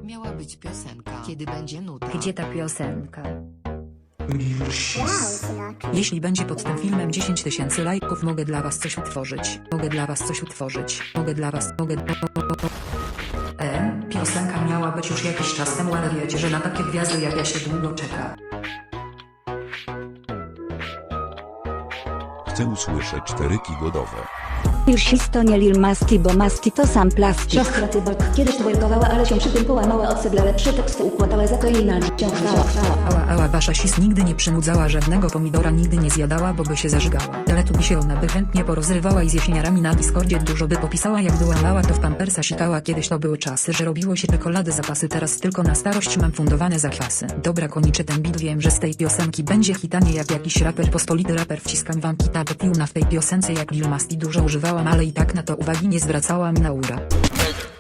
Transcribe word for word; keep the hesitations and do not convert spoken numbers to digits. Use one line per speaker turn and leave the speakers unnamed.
Miała być piosenka. Kiedy będzie nuta?
Gdzie ta piosenka?
Jeśli będzie pod tym filmem dziesięć tysięcy lajków, mogę dla was coś utworzyć. Mogę dla was coś utworzyć. Mogę dla was, mogę... E, piosenka miała być już jakiś czas temu, ale wiecie, że na takie gwiazdy jak ja się długo czeka.
Chcę usłyszeć czteryki godowe.
Już to nie Lil Masti, bo Masti to sam plastik.
Siostra Cyborg kiedyś twerkowała, ale się przy tym połamała od dla lepsze teksty układała, za to jej na wciąż wzięła.
Ała, ała, wasza sis nigdy nie przynudzała żadnego pomidora, nigdy nie zjadała, bo by się zażygała. Ale tu by się ona by chętnie porozrywała i z jesieniarami na Discordzie dużo by popisała, jak była mała to w pampersa sikała. Kiedyś to były czasy, że robiło się czekolady zapasy, teraz tylko na starość mam fundowane zakwasy. Dobra, koniczy ten beat, wiem, że z tej piosenki będzie hitanie jak jakiś raper, pospolity raper. Wciskam wam kita do piłna w tej piosence jak Lil Masti dużo używałam, ale i tak na to uwagi nie zwracałam. Naura.